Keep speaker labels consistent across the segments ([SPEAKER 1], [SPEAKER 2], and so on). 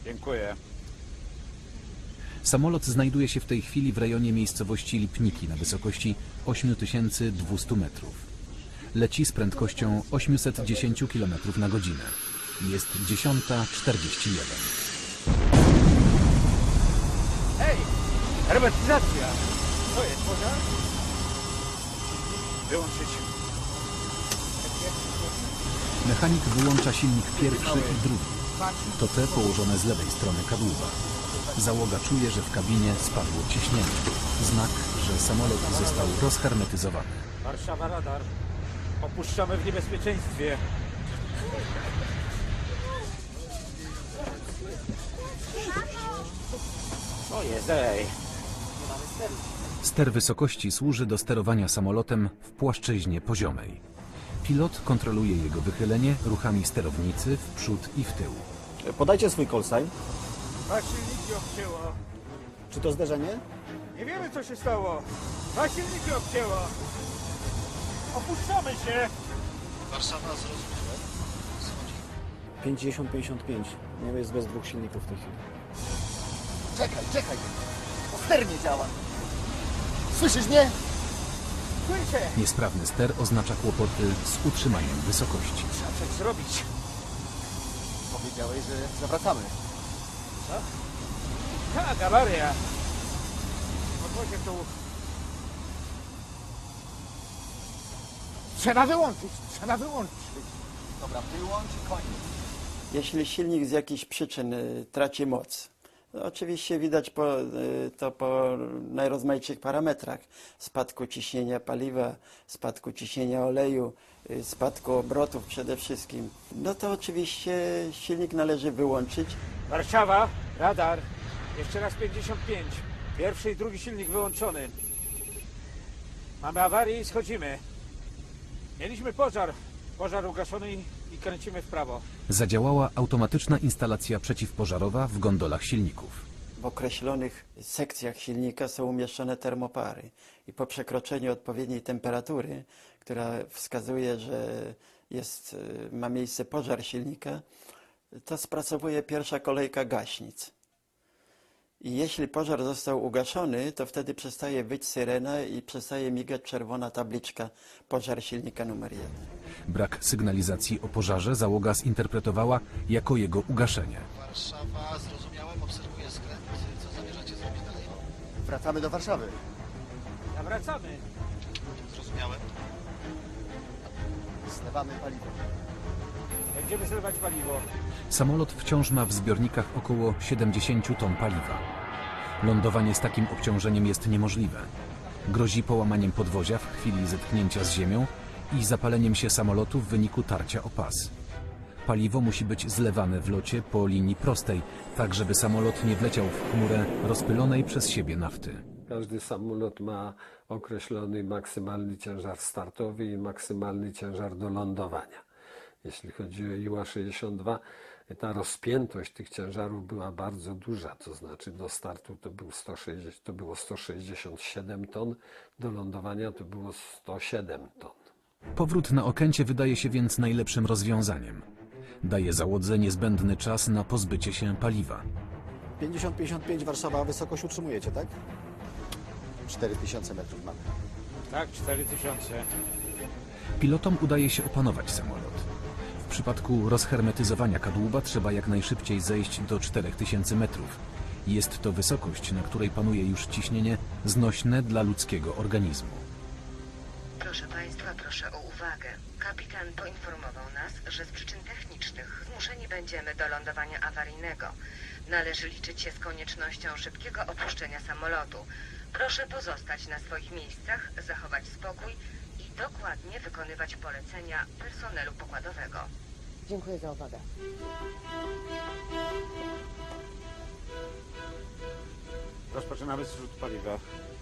[SPEAKER 1] Dziękuję.
[SPEAKER 2] Samolot znajduje się w tej chwili w rejonie miejscowości Lipniki na wysokości 8200 metrów. Leci z prędkością 810 km na godzinę. Jest 10:41.
[SPEAKER 1] Hej! Hermetyzacja! Co jest, pożar? Wyłączyć.
[SPEAKER 2] Mechanik wyłącza silnik pierwszy i drugi. To te położone z lewej strony kadłuba. Załoga czuje, że w kabinie spadło ciśnienie. Znak, że samolot został rozhermetyzowany.
[SPEAKER 1] Warszawa, radar. Opuszczamy w niebezpieczeństwie. Co jest, ej?
[SPEAKER 2] Ster wysokości służy do sterowania samolotem w płaszczyźnie poziomej. Pilot kontroluje jego wychylenie ruchami sterownicy w przód i w tył.
[SPEAKER 3] Podajcie swój call sign.
[SPEAKER 1] Dwa silniki obcięło.
[SPEAKER 3] Czy to zderzenie?
[SPEAKER 1] Nie wiemy, co się stało. Dwa silniki obcięło. Opuszczamy się.
[SPEAKER 4] Warszawa, zrozumiałem.
[SPEAKER 3] 50-55. Nie jest bez dwóch silników w tej chwili.
[SPEAKER 4] Czekaj. Bo ster nie działa. Słyszysz mnie?
[SPEAKER 1] Słyszę.
[SPEAKER 2] Niesprawny ster oznacza kłopoty z utrzymaniem wysokości.
[SPEAKER 1] Trzeba coś zrobić.
[SPEAKER 4] Powiedziałeś, że zawracamy.
[SPEAKER 1] Co? Tak, awaria. Podwozie tu. Trzeba wyłączyć.
[SPEAKER 4] Dobra, wyłącz i koniec.
[SPEAKER 5] Jeśli silnik z jakichś przyczyn traci moc, oczywiście widać to po najrozmaitszych parametrach. Spadku ciśnienia paliwa, spadku ciśnienia oleju, spadku obrotów przede wszystkim. No to oczywiście silnik należy wyłączyć.
[SPEAKER 1] Warszawa, radar. Jeszcze raz 55. Pierwszy i drugi silnik wyłączony. Mamy awarię i schodzimy. Mieliśmy pożar. Pożar ugaszony i kręcimy w prawo.
[SPEAKER 2] Zadziałała automatyczna instalacja przeciwpożarowa w gondolach silników.
[SPEAKER 5] W określonych sekcjach silnika są umieszczone termopary i po przekroczeniu odpowiedniej temperatury, która wskazuje, że ma miejsce pożar silnika, to spracowuje pierwsza kolejka gaśnic. I jeśli pożar został ugaszony, to wtedy przestaje wyć syrena i przestaje migać czerwona tabliczka pożar silnika numer 1.
[SPEAKER 2] Brak sygnalizacji o pożarze załoga zinterpretowała jako jego ugaszenie.
[SPEAKER 4] Warszawa, zrozumiałem, obserwuję skręt. Co zamierzacie zrobić dalej?
[SPEAKER 3] Wracamy do Warszawy.
[SPEAKER 1] Nawracamy.
[SPEAKER 4] Zrozumiałem.
[SPEAKER 3] Zlewamy paliwo.
[SPEAKER 1] Będziemy zlewać paliwo.
[SPEAKER 2] Samolot wciąż ma w zbiornikach około 70 ton paliwa. Lądowanie z takim obciążeniem jest niemożliwe. Grozi połamaniem podwozia w chwili zetknięcia z ziemią i zapaleniem się samolotu w wyniku tarcia o pas. Paliwo musi być zlewane w locie po linii prostej, tak żeby samolot nie wleciał w chmurę rozpylonej przez siebie nafty.
[SPEAKER 6] Każdy samolot ma określony maksymalny ciężar startowy i maksymalny ciężar do lądowania. Jeśli chodzi o Iła-62, ta rozpiętość tych ciężarów była bardzo duża, to znaczy do startu to było 167 ton, do lądowania to było 107 ton.
[SPEAKER 2] Powrót na Okęcie wydaje się więc najlepszym rozwiązaniem. Daje załodze niezbędny czas na pozbycie się paliwa.
[SPEAKER 3] 50-55 Warszawa, wysokość utrzymujecie, tak? 4000 metrów mamy.
[SPEAKER 1] Tak, 4000.
[SPEAKER 2] Pilotom udaje się opanować samolot. W przypadku rozhermetyzowania kadłuba trzeba jak najszybciej zejść do 4000 metrów. Jest to wysokość, na której panuje już ciśnienie znośne dla ludzkiego organizmu.
[SPEAKER 7] Proszę Państwa, proszę o uwagę. Kapitan poinformował nas, że z przyczyn technicznych zmuszeni będziemy do lądowania awaryjnego. Należy liczyć się z koniecznością szybkiego opuszczenia samolotu. Proszę pozostać na swoich miejscach, zachować spokój i dokładnie wykonywać polecenia personelu pokładowego.
[SPEAKER 8] Dziękuję za uwagę.
[SPEAKER 1] Rozpoczynamy zrzut paliwa.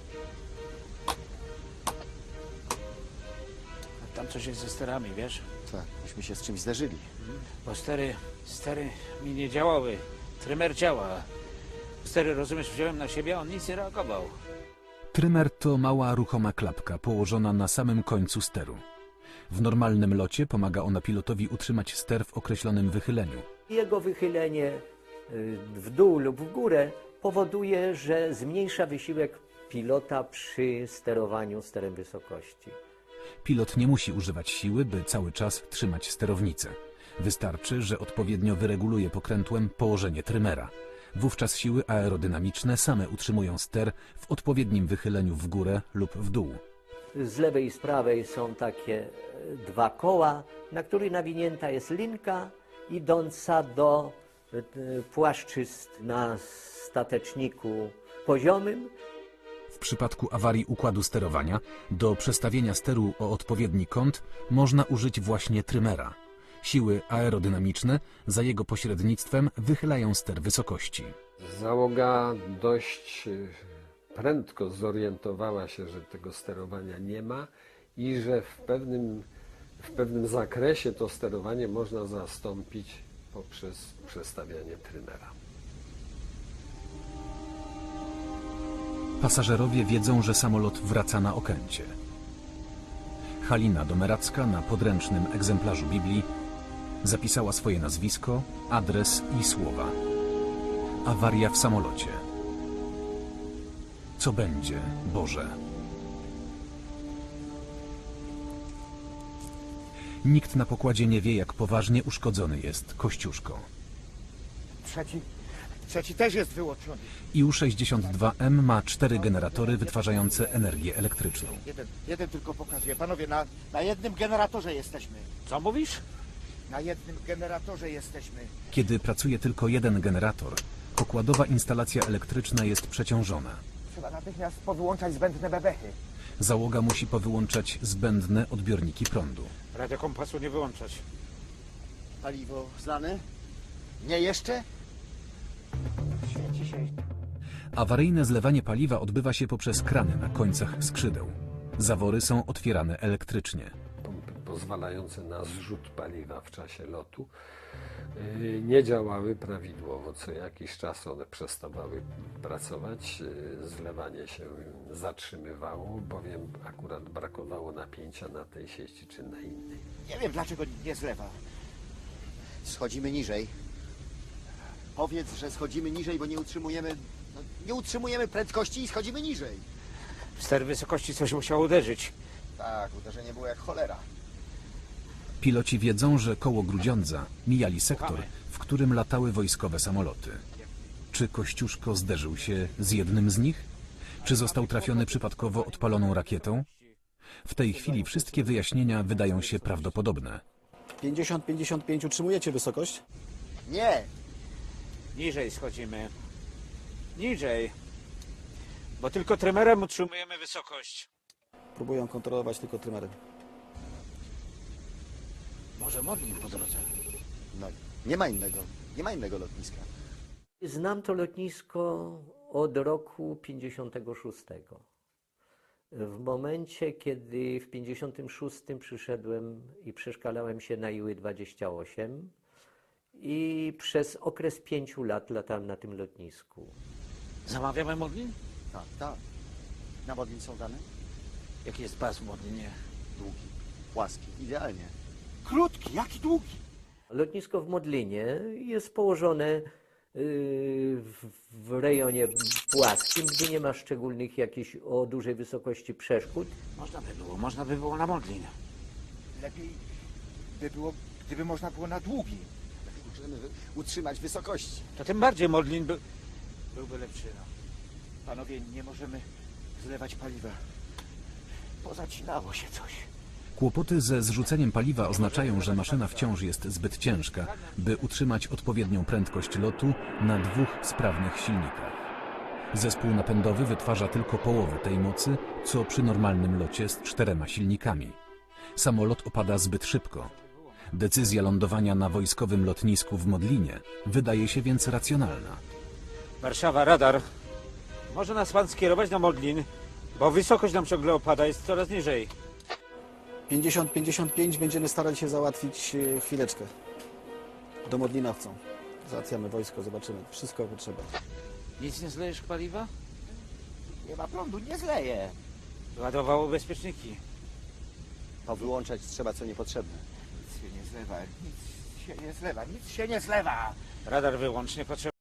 [SPEAKER 1] Tam coś jest ze sterami, wiesz?
[SPEAKER 3] Tak, myśmy się z czymś zderzyli.
[SPEAKER 1] Bo stery mi nie działały. Trymer działa. Stery, rozumiesz, wziąłem na siebie, a on nic nie reagował.
[SPEAKER 2] Trymer to mała ruchoma klapka położona na samym końcu steru. W normalnym locie pomaga ona pilotowi utrzymać ster w określonym wychyleniu.
[SPEAKER 9] Jego wychylenie
[SPEAKER 8] w dół lub w górę, powoduje, że zmniejsza wysiłek pilota przy sterowaniu sterem wysokości.
[SPEAKER 2] Pilot nie musi używać siły, by cały czas trzymać sterownicę. Wystarczy, że odpowiednio wyreguluje pokrętłem położenie trymera. Wówczas siły aerodynamiczne same utrzymują ster w odpowiednim wychyleniu w górę lub w dół.
[SPEAKER 8] Z lewej i z prawej są takie dwa koła, na których nawinięta jest linka idąca do płaszczyzn na stateczniku poziomym.
[SPEAKER 2] W przypadku awarii układu sterowania do przestawienia steru o odpowiedni kąt można użyć właśnie trymera. Siły aerodynamiczne za jego pośrednictwem wychylają ster wysokości.
[SPEAKER 6] Załoga dość prędko zorientowała się, że tego sterowania nie ma i że w pewnym zakresie to sterowanie można zastąpić poprzez przestawianie trymera.
[SPEAKER 2] Pasażerowie wiedzą, że samolot wraca na Okęcie. Halina Domeracka na podręcznym egzemplarzu Biblii zapisała swoje nazwisko, adres i słowa. Awaria w samolocie. Co będzie, Boże? Nikt na pokładzie nie wie, jak poważnie uszkodzony jest Kościuszko.
[SPEAKER 1] Trzeci też jest wyłączony.
[SPEAKER 2] IU-62M ma 4 generatory wytwarzające energię elektryczną.
[SPEAKER 9] Jeden tylko pokazuje. Panowie, na jednym generatorze jesteśmy.
[SPEAKER 1] Co mówisz?
[SPEAKER 9] Na jednym generatorze jesteśmy.
[SPEAKER 2] Kiedy pracuje tylko jeden generator, pokładowa instalacja elektryczna jest przeciążona.
[SPEAKER 9] Trzeba natychmiast powyłączać zbędne bebechy.
[SPEAKER 2] Załoga musi powyłączać zbędne odbiorniki prądu.
[SPEAKER 1] Radiokompasu nie wyłączać.
[SPEAKER 9] Paliwo zlane? Nie jeszcze? Świeci się.
[SPEAKER 2] Awaryjne zlewanie paliwa odbywa się poprzez krany na końcach skrzydeł. Zawory są otwierane elektrycznie.
[SPEAKER 6] Pompy pozwalające na zrzut paliwa w czasie lotu nie działały prawidłowo. Co jakiś czas one przestawały pracować, zlewanie się zatrzymywało, bowiem akurat brakowało napięcia na tej sieci czy na innej.
[SPEAKER 9] Nie wiem, dlaczego nie zlewa. Schodzimy niżej. Powiedz, że schodzimy niżej, bo nie utrzymujemy prędkości i schodzimy niżej.
[SPEAKER 1] Ster wysokości coś musiał uderzyć.
[SPEAKER 9] Tak, uderzenie było jak cholera.
[SPEAKER 2] Piloci wiedzą, że koło Grudziądza mijali sektor, w którym latały wojskowe samoloty. Czy Kościuszko zderzył się z jednym z nich? Czy został trafiony przypadkowo odpaloną rakietą? W tej chwili wszystkie wyjaśnienia wydają się prawdopodobne.
[SPEAKER 3] 50-55 utrzymujecie wysokość?
[SPEAKER 9] Nie,
[SPEAKER 1] Niżej schodzimy. Niżej. Bo tylko trymerem utrzymujemy wysokość.
[SPEAKER 3] Próbują kontrolować tylko trymerem.
[SPEAKER 1] Może Modlin po drodze.
[SPEAKER 9] no nie ma innego lotniska.
[SPEAKER 8] Znam to lotnisko od roku 56. W momencie, kiedy w 56 przyszedłem i przeszkalałem się na Iły-28 i przez okres 5 lat latałem na tym lotnisku.
[SPEAKER 1] Zamawiamy Modlin?
[SPEAKER 9] Tak. Na Modlin są dane?
[SPEAKER 1] Jaki jest baz w Modlinie?
[SPEAKER 9] Długi, płaski, idealnie. Krótki, jaki długi?
[SPEAKER 8] Lotnisko w Modlinie jest położone w rejonie płaskim, gdzie nie ma szczególnych jakichś o dużej wysokości przeszkód.
[SPEAKER 1] Można by było na Modlin.
[SPEAKER 9] Lepiej by było, gdyby można było na długi. Możemy utrzymać wysokości.
[SPEAKER 1] To tym bardziej Modlin byłby lepszy. No.
[SPEAKER 9] Panowie, nie możemy zlewać paliwa. Pozacinało się coś.
[SPEAKER 2] Kłopoty ze zrzuceniem paliwa oznaczają, że maszyna wciąż jest zbyt ciężka, by utrzymać odpowiednią prędkość lotu na 2 sprawnych silnikach. Zespół napędowy wytwarza tylko połowę tej mocy, co przy normalnym locie z 4 silnikami. Samolot opada zbyt szybko. Decyzja lądowania na wojskowym lotnisku w Modlinie wydaje się więc racjonalna.
[SPEAKER 1] Warszawa, radar. Może nas pan skierować na Modlin, bo wysokość nam ciągle opada, jest coraz niżej.
[SPEAKER 3] 50-55 będziemy starali się załatwić chwileczkę. Do Modlina chcą. Załatwiamy wojsko, zobaczymy. Wszystko potrzeba.
[SPEAKER 1] Nic nie zlejesz paliwa?
[SPEAKER 9] Nie ma prądu, nie zleje.
[SPEAKER 1] Ładowało bezpieczniki.
[SPEAKER 9] Powyłączać trzeba co niepotrzebne. Nic się nie zlewa, nic się nie zlewa.
[SPEAKER 1] Radar wyłącznie potrzeba.